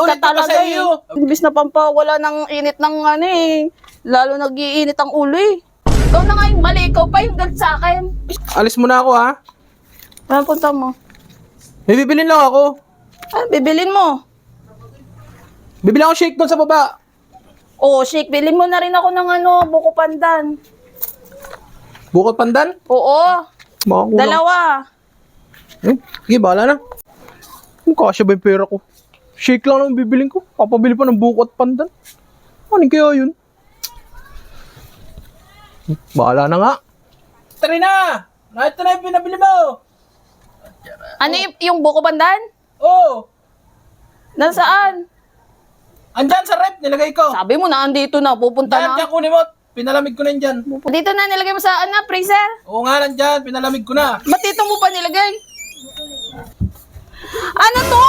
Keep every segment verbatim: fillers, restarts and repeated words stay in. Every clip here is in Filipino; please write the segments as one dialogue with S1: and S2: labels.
S1: ulit
S2: ka
S1: ko pa
S2: talaga
S1: sa
S2: eh.
S1: iyo.
S2: Imbis na pampawala ng init ng ano eh. Lalo nag-iinit ang ulo eh. Ikaw na nga yung mali, ikaw pa yung galit sa akin.
S1: Alis mo na ako ha.
S2: Ano punta mo?
S1: May bibilin lang ako.
S2: Ano bibilin mo?
S1: Bibili ako shake doon sa baba.
S2: Oo, shake, bilhin mo na rin ako ng ano, buko pandan.
S1: Bukod pandan.
S2: Oo,
S1: Makakulang.
S2: dalawa.
S1: Eh, sige, bahala na. Kung kasya ba yung pera ko? Shake lang naman bibilin ko. Papabili pa ng buko at pandan. Ano kaya yun? Hmm, bahala na nga. Tara na! Nakita na yung pinabili mo!
S2: Ano yung, yung buko pandan?
S1: Oo!
S2: Nasaan?
S1: Andyan sa rep, nilagay ko.
S2: Sabi mo na, andito na, pupunta
S1: Dyan,
S2: na.
S1: dyan kunin mo. Pinalamig ko na yan dyan.
S2: Dito na, nilagay mo sa ano, freezer?
S1: Oo nga, nandyan. Pinalamig ko na.
S2: Ba't dito mo pa nilagay? Ano to?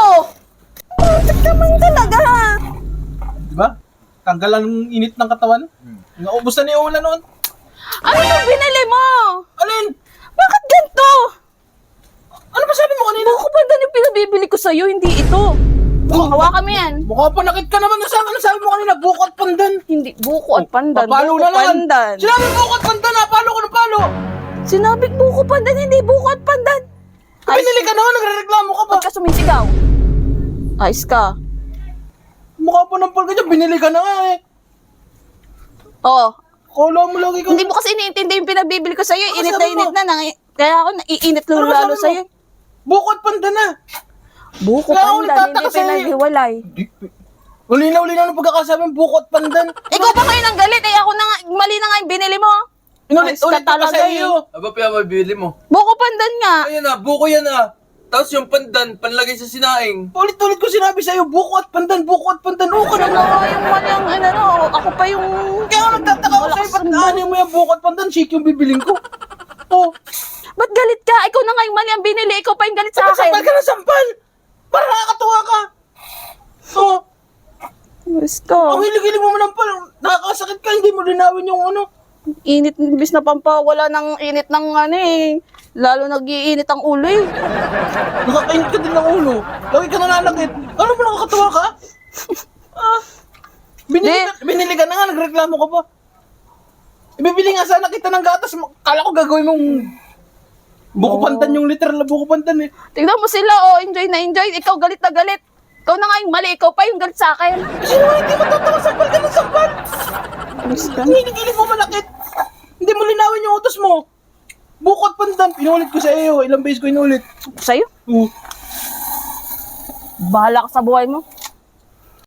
S2: Bakit naman talaga?
S1: Diba? Tanggalan ng init ng katawan. Naubos na ni Ola noon.
S2: Ano yung binili mo?
S1: Alin?
S2: Bakit ganito?
S1: Ano ba sabi mo kanina?
S2: Buko pandan yung pinabibili ko sa'yo, hindi ito. Oh, hawakan mo yan.
S1: Mukha pa nakit ka naman. Nasaan ano sabi mo kanina? Buko at pandan.
S2: Hindi, buko at pandan.
S1: Papalo
S2: Buko
S1: na lang.
S2: pandan.
S1: Sinabi buko at pandan ha. Palo ko ng palo.
S2: Sinabi buko pandan, hindi buko at pandan. Ay,
S1: Pinili ka naman. Nagre-reklamo ka pa.
S2: ba't ka sumisigaw? Ayos ka.
S1: Mukha pa ng pal ka dyan. Binili ka na nga eh.
S2: Oo.
S1: Kala mo lagi ka.
S2: Hindi mo kasi iniintindi yung pinabibili ko sa'yo.
S1: Ano
S2: Init na
S1: sabi mo?
S2: init na. Nang- Kaya ako naiinit lang
S1: Ano
S2: lalo
S1: sabi mo?
S2: sa'yo.
S1: Buko at pandan na.
S2: Buko
S1: Kaya ako
S2: pandan,
S1: nagtataka
S2: hindi
S1: sa'yo.
S2: pinaghiwalay.
S1: Ulinaw-ulinaw ng pagkakasabi ng buko at pandan.
S2: Ikaw pa ngayon ang galit eh. Ako na nga, mali na nga yung binili mo.
S1: Inulit-ulit
S2: Ayos ka
S1: ko pa
S2: talaga
S1: sa
S2: eh.
S1: iyo.
S3: Aba, pinamabili mo.
S2: Buko pandan nga.
S3: Ayan na, buko yan ah. Tapos yung pandan, panlagay sa sinaing.
S1: Ulit-ulit ko sinabi sa iyo, buko at pandan, buko at pandan. Oo ka
S2: Ano
S1: naman.
S2: nga yung mali ang ano, no? Ako pa yung...
S1: Kaya ako nagtataka ko sa'yo, ba't aanin mo yung buko at pandan? Shake yung bibiling ko. Oh,
S2: Ba't galit ka? Ikaw na nga yung mali ang binili. Ikaw pa yung galit sa
S1: sampal
S2: akin.
S1: ka na sampal! Para nakakatuwa ka! Oh,
S2: Gusto.
S1: ang hilig-hilig mo man pala. Nakakasakit ka, hindi mo linawin yung ano.
S2: Init, imbis na pampawala ng init ng ano eh. Lalo nag-iinit ang ulo eh.
S1: Nakakainit ka din ng ulo. Lagi ka nananakit. Ano mo nakakatuwa ka? ah, binili, ka, binili ka na nga, nagreklamo ka pa. Ibibili nga sana kita ng gatas. Kala ko gagawin mong buko pandan yung literal na buko pandan eh.
S2: Tignan mo sila, oh, enjoy na enjoy. Ikaw galit na galit. Ikaw na nga yung mali, ikaw pa yung galit sa akin.
S1: Sino nga hindi matatawa, sampal ka ng sampal.
S2: Gusto.
S1: Ang hilig-hilig mo malakit. Hindi mo linawin yung utos mo. Buko at pandan, pinulit ko sa iyo. Ilang beses ko inulit.
S2: Sa'yo,
S1: Uh,
S2: bahala ka sa buhay mo.